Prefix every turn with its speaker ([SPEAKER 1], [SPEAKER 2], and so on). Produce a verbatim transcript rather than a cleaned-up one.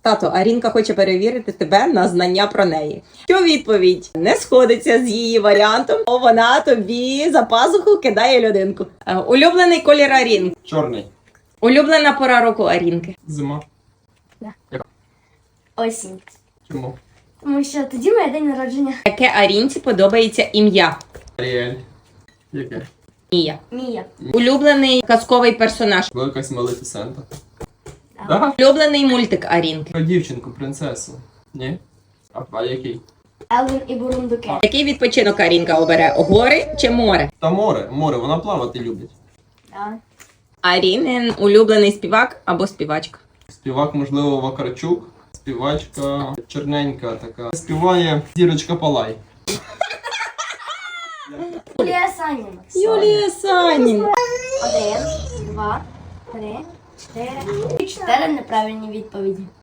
[SPEAKER 1] Тато, Арінка хоче перевірити тебе на знання про неї. Що відповідь не сходиться з її варіантом, то вона тобі за пазуху кидає людинку. Е, Улюблений колір Арінки.
[SPEAKER 2] Чорний.
[SPEAKER 1] Улюблена пора року Арінки.
[SPEAKER 2] Зима.
[SPEAKER 3] Да.
[SPEAKER 2] Яка?
[SPEAKER 3] Осінь.
[SPEAKER 2] Чому?
[SPEAKER 3] Тому що тоді моє день народження.
[SPEAKER 1] Яке Арінці подобається ім'я?
[SPEAKER 2] Аріель. Яке?
[SPEAKER 1] Мія.
[SPEAKER 3] Мія.
[SPEAKER 1] Улюблений казковий персонаж.
[SPEAKER 2] Була якась Малефісента.
[SPEAKER 3] Да.
[SPEAKER 2] Да?
[SPEAKER 1] Улюблений мультик Арінки.
[SPEAKER 2] Про дівчинку, принцесу. Ні? А, а який?
[SPEAKER 3] Елвін і Бурундуки.
[SPEAKER 1] Який відпочинок Арінка обере? Гори чи море?
[SPEAKER 2] Та море, море, вона плавати любить.
[SPEAKER 3] Да.
[SPEAKER 1] Арінин улюблений співак або співачка.
[SPEAKER 2] Співак, можливо, Вакарчук. Співачка чорненька така. Співає Зірочка Палай.
[SPEAKER 3] Юлія Саніна.
[SPEAKER 1] Юлія Саніна.
[SPEAKER 3] Один, два, три, чотири. Чотири неправильні відповіді.